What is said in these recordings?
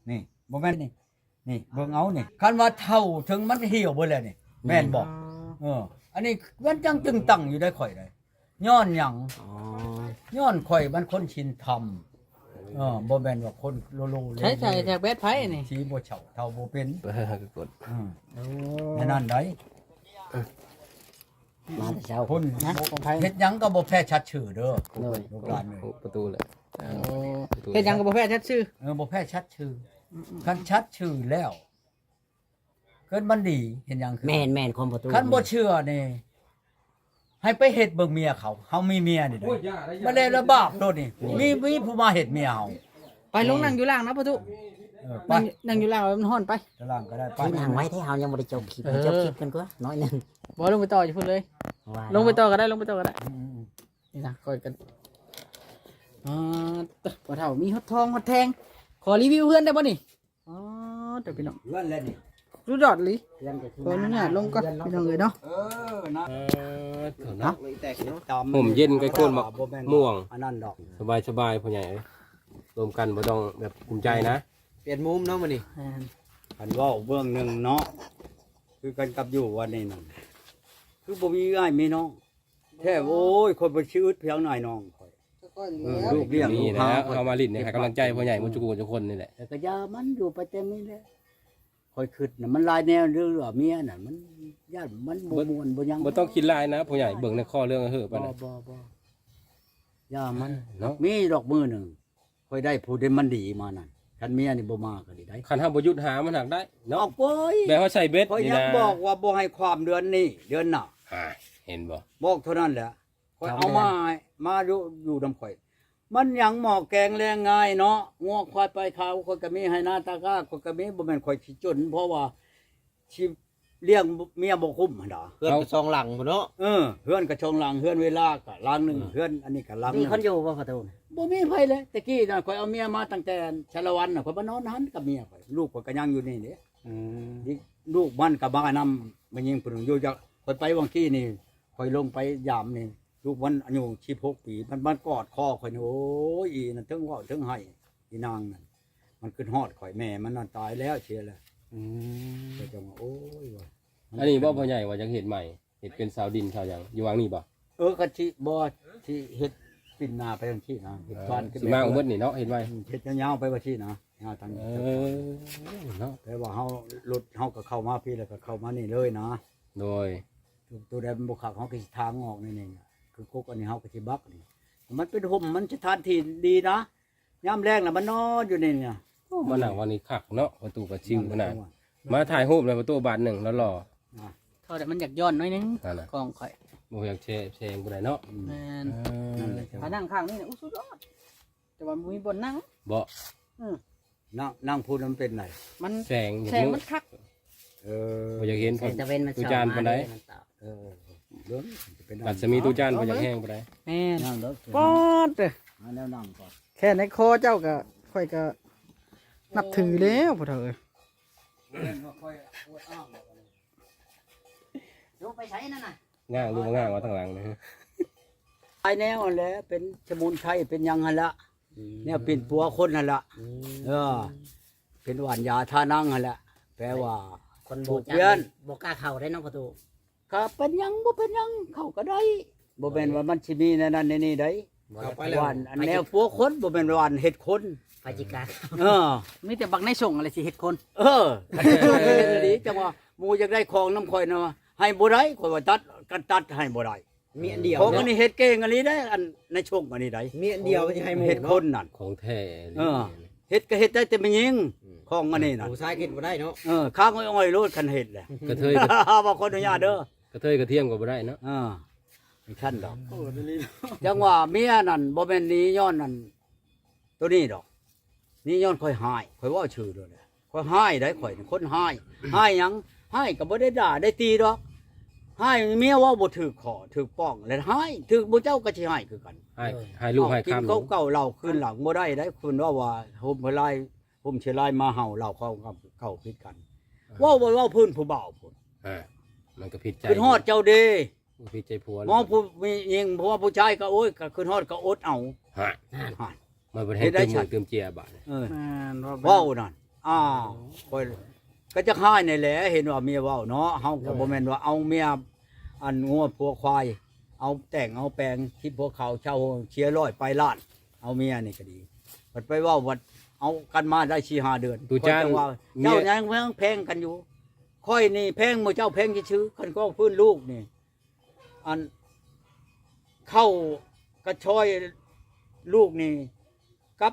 นี่บ่แม่นนี่เบิ่งเอานี่คันว่าเท่าถึงมันเหี่ยวเบิดแล้วนี่แม่นบ่อันนี้มันจังตึงตั้งอยู่ได้ข่อยได้ย้อนหยังย้อนข่อยมันคนชินธรรมบ่แม่นว่าคนโลโลเลยใช่แท็กแบดไผนี่ชี้บ่เฉาเท่าบ่เป็นก็กดนั่นได้มาแต่เช้าคนนะของไผเฮ็ดหยังก็บ่แพ้ชัดชื่อเด้อลูกหลานประตูเลยเฮ็ดหยังก็บ่แพ้ชัดชื่อบ่แพ้ชัดชื่อคันชัดชื่อแล้วเกิดมันดีเห็นหยังคือแม่นคนประตูคันบ่เชื่อนี่ให้ไปเฮ็ดเบิ่งเมียเขาเฮามีเมียนี่เด้บ่ได้ระบาปโดดนี่มีผู้มาเฮ็ดเมียเฮาไปลงนั่งอยู่ล่างนะประตูไปนั่งอยู่ล่างมันฮ้อนไปตารางก็ได้ไปที่นั่งไว้ที่เฮายังบ่ได้จบคลิปจบคลิปกันกว่าน้อยนึงบ่ลงไปต่ออยู่พุ่นเลยว่าลงไปต่อก็ได้ลงไปต่อก็ได้นี่นะค่อยกันบ่เฒ่ามีฮอดทองฮอดแทงขอรีวิวเพื่อนได้บ่นี่เดี๋ยวพี่น้องเลื่อนแล้วนี่รู้ดอดลิเพื่อนจะขออนุญาตลงก่อนพี่น้องเอ้ยเนาะนะเนาะแตกเนาะห่มเย็นใกล้โคนม่วงอันนั้นดอกสบายพ่อใหญ่รวมกันบ่ต้องแบบภูมิใจนะเปลี่ยนมุมเนาะมื้อนี้คันเว้าเบื้องหนึงเนาะคือกันกับอยู่วันนี้นั่นคือบ่มีอ้ายมีน้องแท้โอ้ยคนบ่ชื่อเพียงหน่อยน้องข่อยลูกเลี้ยงนี่ลูกนะหาเอามาลิ้นให้กำลังใจพ่อใหญ่มุจุกุทุกคนนี่แหละแต่ก็ยามันอยู่ไปเต็มนี่แหละคอยคิดน่ะมันหลายแนวเรื่องเมียน่ะมันญาติมันบ่ม่วนบ่หยังบ่ต้องคิดลายนะพ่อใหญ่เบิ่งในข้อเรื่องเฮ้อบ่ปานนั้นบ่ยามันเนาะมีดอกมือหนึงคอยได้ผู้ใดมันดีมานั่นคันเมียนี่บ่มาก็ดีได้คันเฮาบ่หยุดหามันหักได้อเนาะอกโอ้ยแบบเฮาใส่เบ็ดคอยนี่ยังนะบอกว่าบ่ให้ความเดือนนี้เดือนหน้าเห็นบ่บอกเท่านั้นแหละคอยเอามาอยู่นำข่อย มันหยังหมอกแกงแรงง่ายเนาะงัวควายไปขาวคนก็มีให้หน้าตาก้าคนก็มีบ่แม่นข่อยสิจน เพราะว่าชีเลี้ยงเมียบ่คุ้มหั่นดาเพื่อนซองหลังบ่เนาะเฮือนก็ชงหลังเฮือนเวลาก็หลังหนึงเฮือนอันนี้ก็หลังหมีนึงคนอยู่บ่ประตูบ่มีไผเลยตะกี้น่ะข่อยเอาเมียมาตั้งแต่ชาละวันน่ะข่อยมานอนหันกับเมียข่อยลูกข่อยก็ยังอยู่นี่เด้นี่ลูกมันก็มานำมันยิงผู้หนึงอยู่จักข่อยไปวังกี้นี่ข่อยลงไปยามนี่ลูกมันอายุ16ปีมันกอดคอข่อยนี่โอ้ยอีนั่นถึงเว้าถึงให้อีนางนั่นมันขึ้นฮอดข่อยแม่มันนั่นตายแล้วเสียแล้วก็จังว่าโอ้ยว่ะอันนี้บ่พ่อใหญ่ว่าจะเฮ็ดใหม่เฮ็ดเป็นสาวดินสาวหยังอยู่วางนี่บ่ก็ที่บ่ที่เฮ็ดปิ่นนาไปทางที่นะเฮ็ดบ้านขึ้นสิมาอุบลนี่เนาะเฮ็ดไว้เฮ็ดยาวๆไปว่าที่นะยาวทางเนาะแต่ว่าเฮารถเฮาก็เข้ามาพี่แล้วก็เข้ามานี่เลยนะโดยตัวใดมันบ่คักเฮาก็สิทางออกนี่นี่คือกุกอันนี้เฮาก็สิบักนี่มันเป็นห่มมันสถานที่ดีนะยามแรงน่ะมันนอนอยู่นี่เนี่ยมานั่งวันนี้คักเนาะประตูก็ชิวขนาดมาถ่ายรูปในประตูบานหนึ่งแล้วรอเท่าแต่มันอยากย้อนหน่อยนึงนั่นน่ะกองข่อยบ่อยากแชร์บ่ได้เนาะแม่นนั่นแหละถ้านั่งข้างนี่สุดยอดแต่ว่ามีบนนั่งบ่นั่งพูดมันเป็นไหนมันแสงอย่างแสงนู้มันคักบ่อยากเห็นแสงตะเวนมันตูจานปานใดเรื่องเป็นปัสมีตูจานบ่อยากแห้งปานใดแม่นนั่งเด้อป๊อดเด้อแนวนั่งก่อนแค่ในคอเจ้าก็ค่อยก็นับถือแล้วพ่อเฒ่าเอ้ยดูไปใช้นั่นน่ะง่างดูง่างว่าทางหลังนะไอ้แนวนั่นแหละเป็นสมุนไพรเป็นหยังหั่นละเนี่ยเป็นปัวคนหั่นละเป็นหวานยาทานั่งหั่นละแปลว่าคนถูบ่กจัเพื่อนบ่กล้าเข้าได้เนาะประตูก็เป็นหยังบ่เป็นหยังเข้าก็ได้บ่แม่นว่ามันสิมีในนั้นในนี้ได้เข้าไปหแล้ววานอันแนวปัวคนบ่แม่นหวานเห็ดคนไปจิกาเออมีแต่บักในส่งอะไรสิเฮ็ดคนอันนี้เป็นดีจังว่าหมู่อยากได้ของน้ำข่อยนะว่าให้บ่ได้ข่อยว่าตัดกันตัดให้บ่ได้มีอันเดียวของอันนี้เฮ็ดเก่งอันนี้ได้อันในช่วงอันนี้ได้มีอันเดียวจะให้หมู่เฮ็ดคเนาะนนั่นของแท้เฮ็ดก็เฮ็ดได้แต่มันยิงของอันนี้นั่นผู้ชายกินบ่ได้เนาะข้างอ้อยๆโลดคันเฮ็ดแหละกระเทยบ่ขออนุญาตเด้อกระเทยกระเทียมก็บ่ได้เนาะไม่คันดอกจังว่าเมียนั่นบ่แม่นหนี้ย้อนนั่นตัวนี้ดอกนี่ย้อนข่อยหายข่อยเว้าชื่อด้วยแหละข่อยหายได้ข่อยนี่คนหายหายหยังหายก็บ่ได้ด่าได้ตีดอกหายเมียเว่าบ่ถูกขอถูกป้องแล้วหายถูกบ่เจ้าก็สิหายคือกันให้ลูกให้กินข้ามเขาเก่าเหล้าคืนหลังบ่ได้ได้คุณว่าห่มเพลายห่มเชลายมาเห่าเหล้าเขาเก่าผิดกันเว้าพื้นผู้บ่าวพุ่นมันก็ผิดใจขึ้นฮอดเจ้าเดผิดใจผัวมองผู้มียิงเพราะว่าผู้ชายก็โอ้ยก็ขึ้นฮอดก็อดเอาฮะหายมันบ่ให้เติมมือเติมเจียบาดเออแม่นเว้านั่นคอยก็จะค่ายในแหละเห็นว่าเมียเว้าเนาะเฮาก็บ่แม่นว่าเอาเมียอันงัวผัวควายเอาแต่งเอาแปลงที่พวกเขาเช่าเชียร์ร้อยไปล้านเอาเมียนี่ก็ดีบัดไปเว้าวัดเอากันมาได้4-5 เดือนตูจานข้อยจะว่าเจ้ายังแพงกันอยู่ค่อยนี่แพงหมู่เจ้าแพงชื่อๆคันก็พื้นลูกนี่อันเข้ากระชอยลูกนี่กับ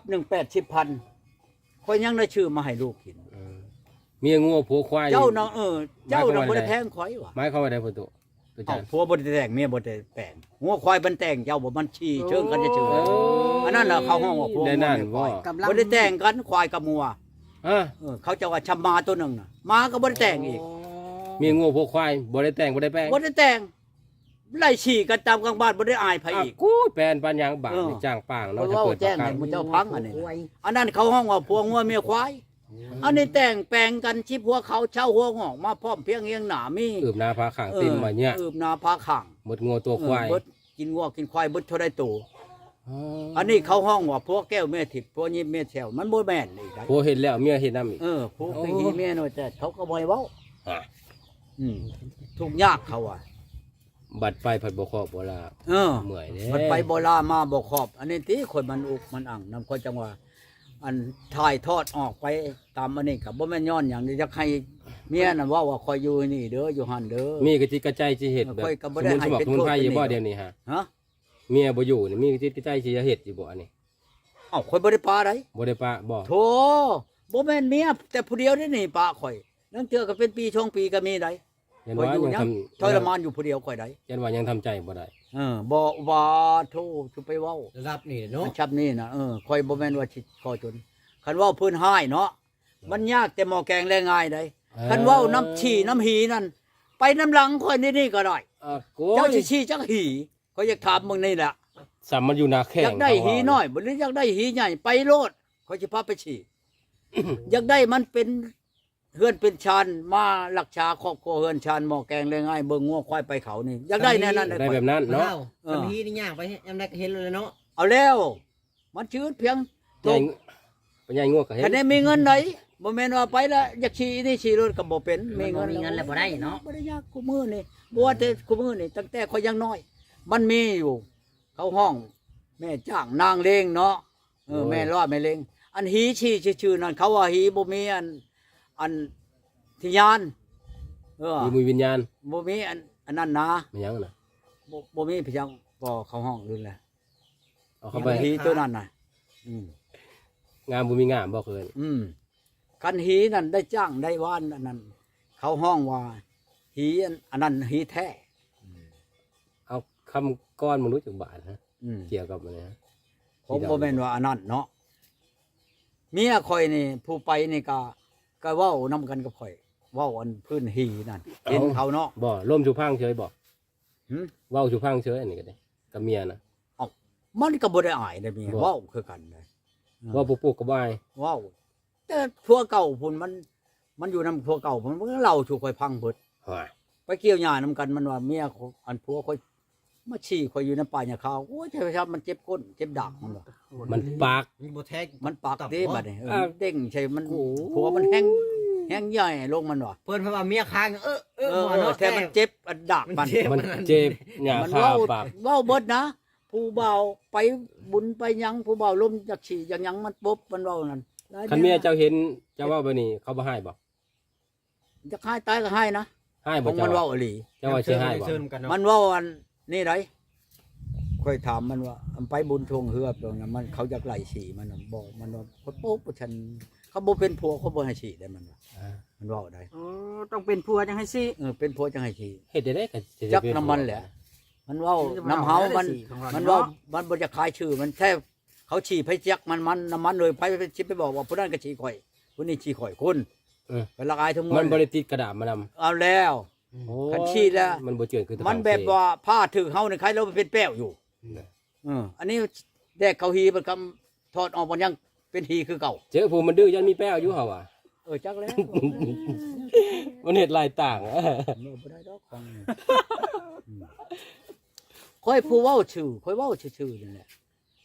180,000ค่อยยังได้ชื่อมาให้ลูกกินเมียงัวผัวควายเจ้าน่ะเจ้าน่ะบ่ได้แพงข่อยว่ะหมายความว่าได้พ่อตุตูจาเอ้าน ผัวบ่ได้แต่งเมียบ่ได้แต่งงัวควายมันแต่งเจ้าบ่มันชี้เชิงกันเฉยๆอันนั้นน่ะเขาห้องว่าผัวได้นั่นบ่กำลังบ่ได้แต่งกันควายกับงัวอ่ะเขาจะว่าชำมาตัวหนึงน่ะมาก็บ่ได้แต่งอีกเมียงัวผัวควายบ่ได้แต่งบ่ได้แปลงบ่ได้แต่งไล่ฉี่กันตามกลางบ้านบ่ได้อายไผอีกกูแปลนปัญญางบาทเออนี่จ้างป่างเพเนาะราะจะว่าเปิดแจ้งประกัให้นมึงเจ้าพังอันนี้น่ะอันนั้นเขาห้องว่าผัวงัวเมียควายอันนี้แต่งแปลงกันชิผัวเขาเช่าหัวงอกมาพร้อมเพรียงเอียงหน้ามีอืบหน้าพาข้างติ่มมาเนี่ยอืบนาพาข้างหมดงัวตัวควายเบิดกินงัวกินควายเบิดเท่าได้ตัวอันนี้เขาห้องว่าพวกแก้วแม่ทิพย์พวกนี้แม่แถวมันบ่แม่นอีกได้ผัวเห็นแล้วเมียเห็นน้ำอีกพวกนี้แม่น้อยแต่เขาก็บ่ให้เว้าอ่ะทุกข์ยากเขาอ่ะบัดไปผัดบ่ครอบบ่ลาเออเมื่อยเด้มันไปบ่ลามาบ่ครอบ อันนี้ติคนมันอุกมันอั่งนำคนจังว่าอันถ่ายทอดออกไปตามอันนี้ก็บ่แม่นย้อนหยังนี่จะให้เมียน่ะเว้าว่าคอยอยู่นี่เด้ออยู่หั่นเด้อมีกระจิตกระใจสิเฮ็ดแบบค่อยก็สบ่มุได้นให้สมัคเป็นรสมุนไพรโทษอยู่บ่เป็นนี่เดี๋ยวนี้ฮะฮะเมียบ่อยู่นี่มีกระจิตกระใจสิจะเฮ็ดอยู่บ่อันนี้เอ้าคอยบ่ได้ปาได้บ่ได้ปะบ่โธ่บ่แม่นเมียแต่ผู้เดียวนี่ปาข่อยนั่งเจอก็เป็นปีช่องปีก็มีได้ยันข่อยว่าอยู่ยังยังทำทรมานอยู่ผู้เดียวข่อยได้ยันว่ายังทำใจบ่ได้บ่ว่าโธ่สิไปเว้าระดับนี่เนาะชับนี่นะข่อยบ่แม่นว่าสิขอจนคันเว้าเพิ่นให้เนาะมันยากแต่หม้อแกงแลง่ายได้คันเว้าน้ำฉี่น้ำหีนั่นไปน้ำหลังข่อยนี่ก็ได้โก้เจ้าสิฉี่จักหีข่อยอยากถามมึงนี่แหละสามมันอยู่หน้าแข้งอยากได้หีน้อยบ่หรืออยากได้หีใหญ่ไปโลดข่อยสิพาไปฉี่ อยากได้มันเป็นเฮือนเป็นชานมารักษาครอบครัวเฮือนชานหม้อแกงแลง่ายเบิ่งงัวควายไปเขานี่อยากได้แน่นั้นได้แบบนั้นเนาะเนาะทันทีนี่ย่างไปยามใดก็เห็นเลยเนาะเอาแล้ว มันชื้นเพียงใหญ่ปัญญางัวก็เห็นคันได้มีเงินไหนบ่แม่นว่าไปแล้วอยากขี่นี่ขี่รถก็บ่เป็นมีมันบ่เงินมีเงินแล้วบ่ได้เนาะบ่ได้ยากกูมือนี่บ่ว่าแต่กูมือนี่ตั้งแต่เขายังน้อย มันมีอยู่ เขาห้อง แม่จ้างนางเลงเนาะแม่รอดแม่เลงอันหีชี้ชื่อๆนั่นเขาว่าหีบ่มีอันทิญาณมีวิญญาณบ่มีอันนั้นนะมันยังน่ะบ่มีพยังบ่เขาห้องลื่นแหละเอาเข้าไปหีตัวนั้นน่ะงามบ่มีงามบ่เคยกันหีนั่นได้จ้างได้ว่านอันนั้นเขาห้องว่าหีอันนั้นหีแท้เอาคำก้อนมนุษย์จักบาทฮะอืมเกี่ยวกับมันนะผมบ่แม่นว่าอันนั้นเนาะเมียข่อยนี่ผู้ไปนี่ก็เว้านํกันกับข่อยเว้าอันพื้นหีนั่นเห็นเขาเนาะบ่ล่มชูพังเฉยบ่หึเว้าชูพังเฉยอันนี้ก็ได้กับเมียนะมันก็บ่ได้อายได้เมียเว้าคือกันได้เว้าปุ๊กๆก็บ่อายเว้าแต่ผัวเก่าพุ่นมันอยู่นำผัวเก่าพุ่นมันก็เล่าชูข่อยพังเบิดฮ้อยไปเกี่ยวหญ้านํกันมันว่าเมียอันผัวข่อยมาฉี่ข่อยอยู่ในป่าหญ้าขาวโอ้ยใช่ครับมันเจ็บก้นเจ็บดักมันว่ามันปากมีบ่แท้งมันปากเด้บัดนี้อ่าเด้งใช่มันผัวมันแห้งใหญ่ลงมันว่ะเพิ่นเพราะว่าเมียค้างบ่เนาะแต่มันเจ็บอันดักมันมันเจ็บหญ้ามันคาเว้าปากเว้าเบิดนะผู้เบาไปบุญไปหยังผู้เบาล้มจากฉี่อย่างหยังมันปุ๊บมันเว้านั่นคันเมียเจ้าเห็นเจ้าเว้าแบบนี้เขาบ่ให้บ่จะให้ตายก็ให้นะให้ขบ่องเจ้ามันว่าเว้าอีหลีเจ้าว่าสิให้บ่เชิญกันเนาะมันเว้าอันนี่ไรค่อยถามมันว่าอันไปบุญทวงเฮือบตรงนั้นมันเขาอยากไล่ฉี่มันน่ะบอกมันว่าคนปุ๊บฉันเขาบ่เป็นผัวเขาบ่ให้ฉี่ได้มันว่ามันเว้าได้โอ้ต้องเป็นผัวจังให้สิเป็นผัวจังให้ฉี่เฮ็ดได้ก็สิจักน้ำมันแหละ มันเว้าน้ำเฮามันเว้ามันบ่จะขายชื่อมันแค่เขาฉี่ไผจักมันน้ำมันเลยไผไปชิไปบอกว่าผู้นั้นก็ฉี่ข่อยผู้นี้ฉี่ข่อยคุณเป็นละอายทั้งหมดมันบ่ได้ติดกระดาษมานำเอาแล้วคันฉี่แล้วมันบ่เจือนคือตะมันแบบว่าผ้าถือเฮานี่ใครเราเป็นแป้วอยู่อันนี้แดกเขาฮีมันคำถอดออกมันยังเป็นฮีคือเก่าเจอผู้มันดื้อยันมีแป้วอยู่เฮาอ่ะจักแล้วมันเฮ็ดหลายต่างบ่ได้ดอกของค่อยผู้เว้าชื่อค่อยเว้าชื่อนี่แหละ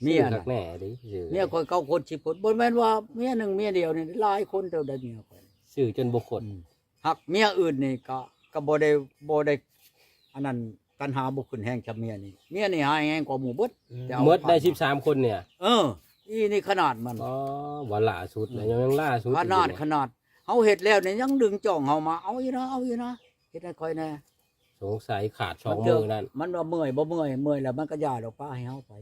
เมียชื่อคัน่ะกแน่ดิชื่อเมียคอย9คน10คนบ่แม่นว่าเมียหนึงเมียเดียวนี่หลายคนเท่าใดเมียข่อยชื่อจนบ่คนหักเมียอื่นนี่ก็บ่ได้อันนั้นตัณหาบ่ขึ้นแฮงกับเมียนี่เมียนี่หายแฮงกว่าหมู่เบิดแต่เอาหมดได้13คนเนี่ยอีนี่ขนาดมันอ๋อว่าล่าสุดแล้วยังล่าสุดขนาดเฮาเฮ็ดแล้วนี่ยังดึงจ้องเฮามาเอาอยู่นะเฮ็ดให้ค่อยแน่สงสัยขาด2มือนั่นมันว่าเมื่อยบ่เมื่อยแล้วมันก็ย่าดอกป้าให้เฮาไป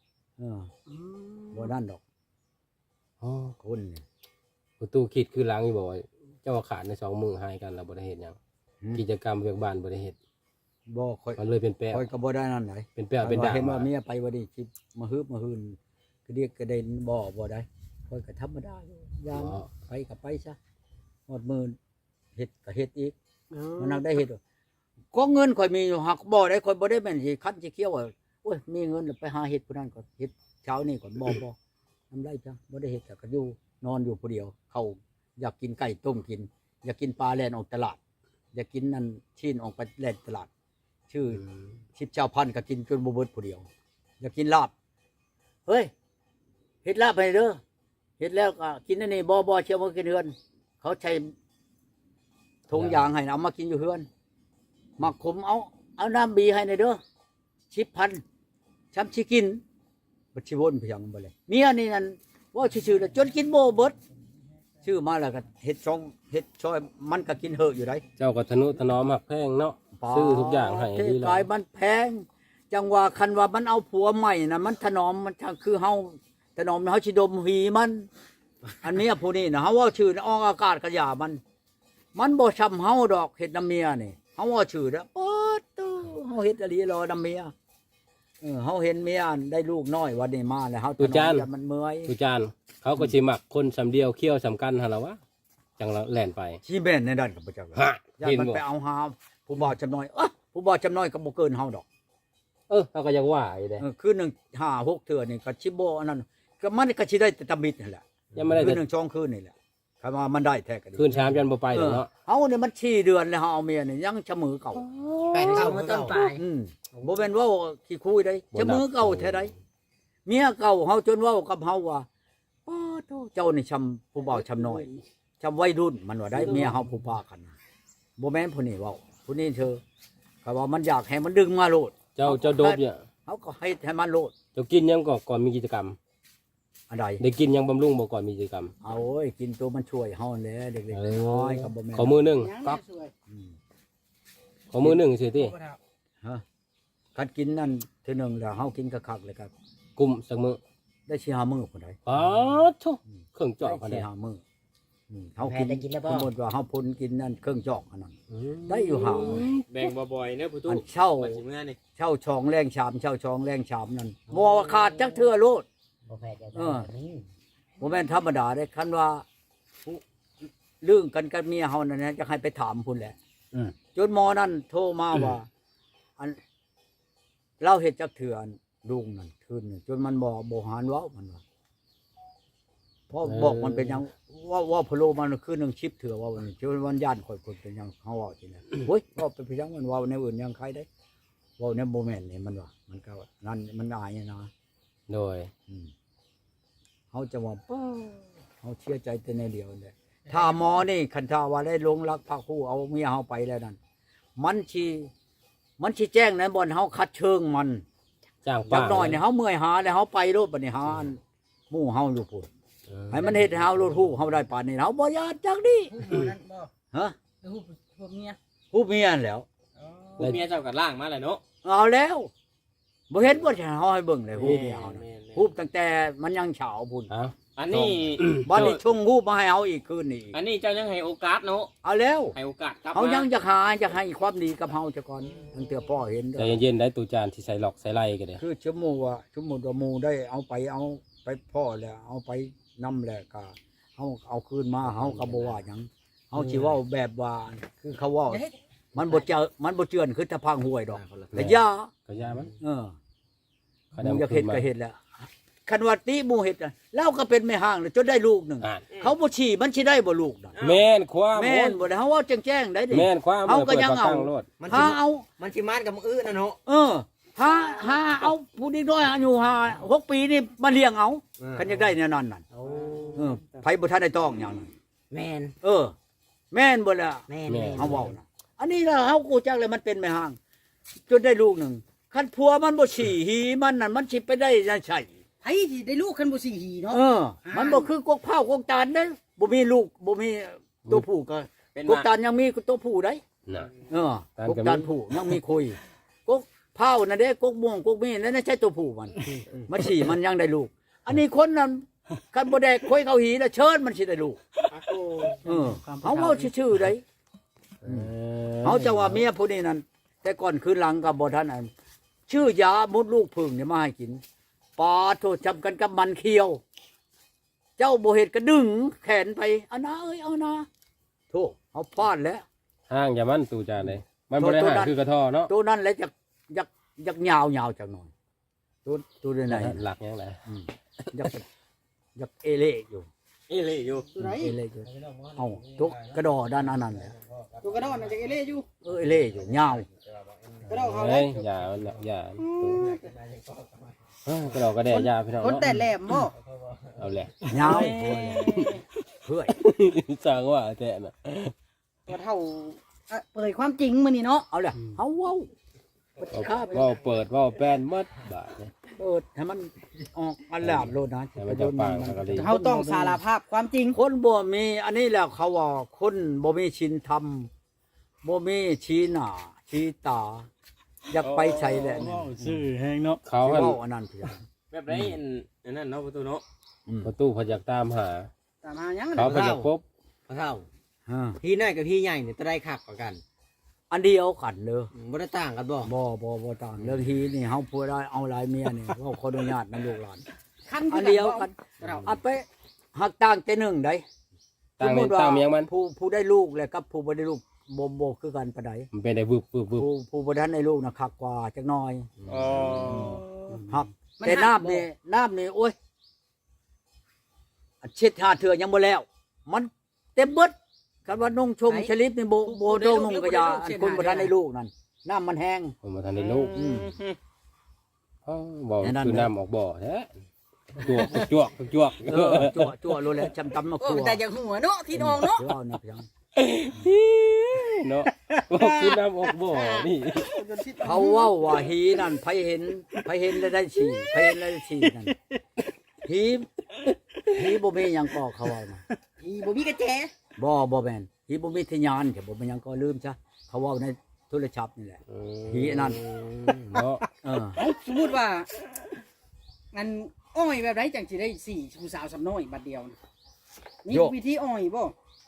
บ่นั่นดอกอ๋อคนนี่ประตูคิดคือหลังอีบ่ว่าเจ้าว่าขาดใน2มือหายกันแล้วบ่ได้เฮ็ดหยังกิจกรรมเวียกบ้านบ่ได้เฮ็ดบ่ค่อยมันเลยเป็นแปะค่อยก็บ่ได้นั่นไหนเป็นแปะเป็นด่างเห็นว่ามาเมียไปบ่ได้คิดมาฮึบมาหืนก็เรียกกระเด็นบ่ได้ค่อยก็ธรรมดาอยู่ยามไปก็ไปซะหมดมื้อเฮ็ดก็เฮ็ดอีกมันนักได้เฮ็ดก็เงินค่อยมีอยู่หักบ่ได้ค่อยบ่ได้แม่นสิคันสิเคี้ยวว่าโอ้ยมีเงินแล้วไปหาเฮ็ดผู้นั้นก็เฮ็ดเช้านี่ก่อนบ่ทำได้จ้ะบ่ได้เฮ็ดก็อยู่นอนอยู่ผู้เดียวเขาอยากกินไก่ต้มกิน อยากกินปลาแล่นออกตลาด อยากกินนั่นชิ้นออกไปแล่นตลาด ชื่อชิบเจ้าพันก็กินจนบ่เบิดผู้เดียว อยากกินลาบเฮ้ยเฮ็ดลาบให้เด้อเฮ็ดแล้วก็กินอันนี้บ่เชื่อมากินเฮือน เขาใช้ถุงยางให้เอามากินอยู่เฮือนมักขมเอาน้ำบีให้ในเด้อ10,000ช้ำสิกินบ่สิวนเพียงบ่เลยเมียนี่นั่นว่าชื่อๆแล้วจนกินบ่เบิดชื่อมาแล้วก็เฮ็ดช่อยมันก็กินเหอะอยู่ได้เจ้าก็ทนุถนอมหักแพงเนาะซื้อทุกอย่างให้ดีกายมันแพงจังว่าคันว่ามันเอาผัวใหม่นะมันถนอมมันคือเฮาถนอมเฮาสิดมหีมัน อันเนี้ยผู้นี้นะเฮาว่าชื่อออกอากาศกระยามันบ่ช้ำเฮาดอกเฮ็ดน้ำเมียนี่เฮาว่าชื่อนะโอ๊ดตู้เฮาเฮ็ดอลีรอน้ำเมียเฮาเห็นเมียได้ลูกน้อยวันนี้มาแล้วเฮาถนอมแล้วมันเมื่อยทุจานเขาก็สิมักคนสำเดียวเคี้ยวสำคัญหั่นล่ะวะจังละแล่นไปชีแม่นในด้านกับพระเจ้าฮะอย่าเห็นมันบ่ไปเอาหาผู้บ่าวจำน้อยผู้บ่าวจำน้อยก็บ่เกินเฮาดอกเขาก็ยังว่าอยู่เด้คือ1 5 6เทื่อนี่ก็สิบ่อันนั้นก็มันก็สิได้แต่ตำบิดนั่นแหละยังไม่ได้คืแต่อ1 2คืนนี่แหละคำว่ามันได้แท้ก็ดีคืน3ยันบ่ไปแล้วเนาะเฮานี่มัน4เดือนแล้วเฮาเอาเมียนี่ยังชะมือเก่า 8 เอา 9 มามื้อต้เก่านปลายบ่แม่นว่าขี้คุยได้ชะมือเก่าแท้ใดเมียเก่าเฮาจนเว้ากับเฮาว่าโอ้โธ่เจ้านี่ชำผู้บ่าวชำน้อยชำวัยรุ่นมันว่าได้เมียเฮาผู้พากันบ่แม่นผู้นี้เว้าผู้นี้เธอก็ว่ามันอยากให้มันดึงมาโลดเจ้าโดบเนี่ยเฮาก็ให้มันโลดเจ้ากินยังก่อนมีกิจกรรมอันใดได้กินยังบำรุงบ่ก่อนมีกิจกรรมเอาโอ้ยกินตัวมันช่วยเฮาแหละเด็กๆน้อยๆก็บ่แม่นขอมือหนึงครับขอมือหนึงสิติฮะคันกินนั่นเทื่อหนึงแล้วเฮากินคักๆเลยครับกุมสักมือได้4-5มื้อพุ่นใดอ๋อทุเครื่องเจาะกันได้ได้ 4-5มื้อเฮาแพกิทนย์ได้กินแล้วบ่สมมุติว่าเฮาพ่นกินนั่นเครื่องจอกอันนั้น ได้อยู่ห่างแบ่งบ่อยๆเนอะผู้ตู้อันเช่าว่าสิเมื่อนี่เช่าช่องแรงชามเช่าช่องแรงชามนั่นบ่ว่าขาดจักเทื่อโลดบ่แพทย์จะเออนี่บ่แม่นธรรมดาเด้คันว่าผู้เรื่องกันกับเมียเฮานั่นนะจะให้ไปถามพุ่นแหละจนหมอนั่นโทรมาว่า อันเราเฮ็ดจักเทื่ออันลุงนั่นคืนนึงจนมันบ่หานเว้ามันว่าเพราะบอกมันเป็นหยังว่าพะโลมันคืนนึงชิปเถื่อว่าวันนี้จนวันย่านข่อยเป็นหยังเฮาเว้าจังได๋โอ้ยว่าเป็นหยังมันเว้าแนวอื่นยังใครได้เว้าแนวบ่แม่นนี่มันว่ามันก็นั่นมันอายนะโดยเขาจะว่าป้าเขาเชื่อใจแต่ในเดียวเลยถ้าหมอนี่คันถ้าว่าได้ลงรักพระคู่เอาเมียเขาไปแล้วนั่นมันชีแจ้งนะบนเขาคัดเชิงมันจ้างจัป้ากหน่อยเนี่ยเขาเมื่อยหาแล้วเขาไปรถบัดนี้หาหมู่เฮาอยู่พุ่นให้มันเฮ็ดให้เฮารถฮู้เฮาได้ปานนี้เฮาบ่ยานจักดินั่นบ่ฮะพวกเมียฮู้เมียนั่นแหล้วผู้เมียเจ้าก็ล่างมาแหละเนาะเอาแล้วบ่เห็นบ่ใช่เฮาให้เบิ่งเลยฮู้เมียเฮาน่ะแม่นๆฮู้ตั้งแต่มันยังเฉาพุ่นเอ้าอันนี้บัดนี้ชงฮู้มาให้เฮาอีกคืนนี้อีกอันนี้เจ้ายังให้โอกาสเนาะเอาแล้วให้โอกาสกลับเขายังมาจะให้ความดีกับเฮาจะก่อนตั้งแต่พ่อเห็นเด้ใจอเย็นๆได้ตูจานที่ใส่หลอกใส่ไล่กันเด้คือชั่วโมงว่าหมู่ได้เอาไปพ่อแล้วเอาไปนำแล้วก็เฮาเอาคืนมาเฮาก็บ่ว่าหยังเฮาสิเว้าแบบว่าคือเขาเว้ามันบ่เจือนคือตะพังห้วยดอกแต่ยาก็ยามันหเขามู่นำอยากคืเฮ็นดมาก็เฮ็ดแล้วคันว่าติหมู่เฮ็ดน่ะเราก็เป็นแม่ห้างเลยจนได้ลูกหนึงอ่านเขาบ่ชี้มันสิได้บ่ลูกน่ะแม่นความแม่นบ่ได้เฮาเว้าแจ้งๆได้ดิแม่นความเอาก็ยังเอาปิดปกตั้โลดมันถ้าสิเอามันสิมาดกับมื้ออื่นน่ะเนาะเออหาเอาผู้นี้ด้วยอายุ6 ปีนี่มาเลี้ยงเอาคันอยากได้แน่นอนนั่นโอ้ไผบ่ทันได้ต้องหยังนั่นแม่นแม่นบ่ล่ะแม่นเฮาเว้านะอันนี้ล่ะเฮากูจักเลยมันเป็นแม่ห้างจนได้ลูกหนึงคันผัวมันบ่ฉี่หีมันนั่นมันสิไปได้ยังไงไผสิได้ลูกคันบ่สิหีเนาะมันบ่คือกกเผากกตาลเด้บ่มีลูกบ่มีตัวผู้ก็เป็นกกตาลยังมีตัวผู้ได้น่ะกกตาลผู้ยังมีคุยกกเผานั่นเด้กกม่วงกกมีนั่นใช่ตัวผู้มันมันฉี่มันยังได้ลูก อันนี้คนนั้นคันบ่ได้คุยเขาหีแล้วเชิญมันสิได้ลูกเฮาเว้าชื่อๆได้เฮาจะว่าเมียผู้นี้นั่นแต่ก่อนคืนหลังก็บ่ทันอันชื่อยามุดลูกผึ่งนี่มาให้กินปาโทษจำกันกับมันเคี้ยว เจ้าบ่เฮ็ดก็ดึงแขนไปเอานะเอ้ยเอานะโธ่เฮาพลาดแล้วห้างอย่ามันตูจานเลยมันบ่ได้ห่างคือกระท่อเนาะตัวนั้นแหละจักยาวยาวจักหน่อยตัวไหนหลักยังไงจักเอเล่อยู่เอ้เลยอยู่ตัวไหนเอเล่อยู่เอาตัวกระดอด้านนั้นแหละตัวกระดอนน่ะจะเอเล่อยู่เอเล่อยู่ยาวกระดอนเขาเฮ้ยอย่ามันอย่าก็เราก็ได้ยาพี่น้องคนเนาะแต่แหลมบ่เอาแหละยาวเพื่อยสั่งว่าแต่น่ะตัวเท่าเปิดความจริงมื้อนี้เนาะเอาล่ะเฮาเว้าว่าเปิดว่าแป้นหมดบาทเนี่ยเปิดให้มันออกอันแหลมโลดนะให้มันจะปังแล้วก็ดีเฮาต้องสารภาพความจริงคนบ่มีอันนี้แหละเขาว่าคนบ่มีชินธรรมบ่มีชี้หน้าชี้ตาอยากไปใส่แหละนี่ชื่อแห้งเนาะเขาสิหันเว้าอันนั้นเพียงแบบไรอันนั้นเนาะประตูเนาะประตูพยักตามหาตามหายังเขาพยักพบพ่อเฒ่าฮะพี่น้อยกับพี่ใหญ่เนี่ยจะได้คักกว่ากันอันเดียวกันเด้อบ่ได้ต่างกันบ่บ่ต่างเรื่องฮีนี่เฮาพูดได้เอาหลายเมียนี่เว้าขออนุญาตนำลูกหลานคันอันเดียวกันอันไปหักต่างแต่หนึ่งได้ตั้งในตั้งเมียงมันผู้ได้ลูกแล้วกับผู้บ่ได้ลูกบ่คือกันปานใดมันเป็นได้วึบวึบวึบผู้บ่ทันได้ลูกน่ะคักกว่าจักหน่อยอ๋อหักแต่น้ำนี่โอ้ยอันเช็ดหาเถื่อยังบ่แล้ว มันเต็มเบิดกันว่านุ่งชมชลิปนี่บ่โดนนุ่งกระยาอันคนบ่ทันได้ลูกนั่นน้ำมันแห้งผมมาทันได้ลูกบอกแน่นอนคือน้ำออกบ่อแท้จวกจวกจั่วรู้แล้วจำตำมาครัวแต่อย่างหัวเนาะที่นองเนาะเดี๋ยวเอานะเพียงเนาะบอกคือน้ำออกบ่อนี่เขาเว้าว่าหีนั่นไผเห็นแล้วได้ฉี่ไผเห็นแล้วได้ฉี่นั่นหีบ่มีหยังก็เขาเว้านะอีบ่มีกระแจบ่แม่นหีบ่มีทะยานแต่บ่มีหยังก็ลืมซะเขาเว้าในโทรศัพท์นี่แหละ หีนั่นเนาะสมมุติว่างั้นอ้อยแบบไรจังสิได้สี่ผู้สาวสำน้อยบัดเดียวนะมีวิธีอ้อยบ่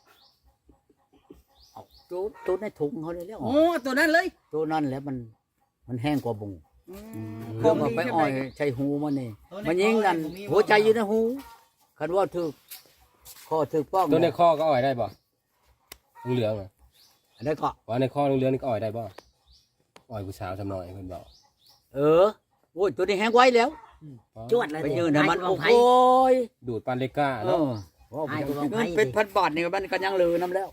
เอาตัวในถุงเขาเลยแล้วโอ้ตัวนั้นเลยตัวนั้นแหละมันแห้งกว่าบุงขเรื่ออง งว่าดีไปใช่อ้ไหมอยใช้หูมันนี่มันยิงกันหัวใจอยู่ในหูคันว่าถูกข้อถูกป้องตัวในคอก็อ่อยได้ป่ะเหลืองๆอ่ะอันนี้ก็ว่าในคอเหลืองๆนี่ก็อ่อยได้ป่ะอ่อยผู้สาวจำหน่อยเพิ่นบอกโอ้ยตัวนี้แห้งไว้แล้วจวดเลยไปยืนให้มันให้โอ้ไผโยดูดปานเลก้าเอเนาะอว่าเงินเป็นพันบาทนี่มันก็ยังเหลือน้ำแล้ว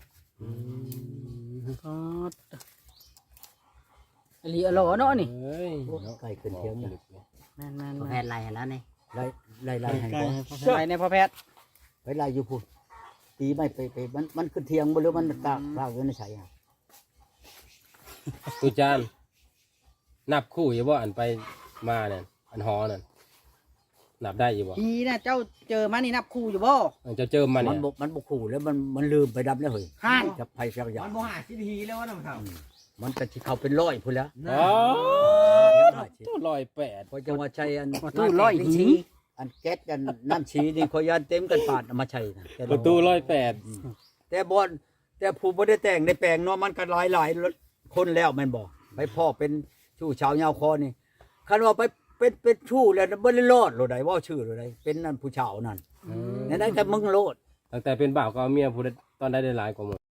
อลีอลอเนาะนี่เฮ้ยไก่ขึ้นเทียงนะแม่นบ่แพทย์ไล่ให้แล้วนี่ไล่ให้ก่อนๆไปในพ่อแพทย์ไปไล่อยู่พูดตีไม่ไปมันขึ้นเทียงบ่หรือมันตากไว้ในใส่อะตูจานนับคู่อยู่บ่อันไปมาเนี่ยอันหอนั่นนับได้อยู่บ่ทีน่ะเจ้าเจอมานี่นับคู่อยู่บ่อันจะเจิมมันมัเนี่นยมันบกขู่แล้วมันลืมไปดับแล้วเฮ้ยห่านจะไผสักอย่างมันบ่หาสิทีแล้วนะพ่อเฒ่ามันก็สิเข้าเป็นร้อยพุ่นแล้วอ๋อตัว108 เพราะจังว่าใช้อันประตูร้อยหีอันแก๊สอันน้ำฉีนี่ขอยยานเต็มกันปาดเอามาใช้นะแต่ประตู108 แต่บ่แต่ผู้บ่ได้แต่งได้แปลงเนาะมันก็หลายคนแล้วแม่นบ่ไปพ่อเป็นชู้ชาวยาวคอนี่คันว่าไปเป็นชู้แล้วบ่ได้รอดโลดใดเว้าชื่อโลดใดเป็นนั่นผู้ชาวนั่นนั่นได้แต่มึงโลดตั้งแต่เป็นบ่าวก็เอาเมียผู้ใดตอนได้หลายกว่าหมด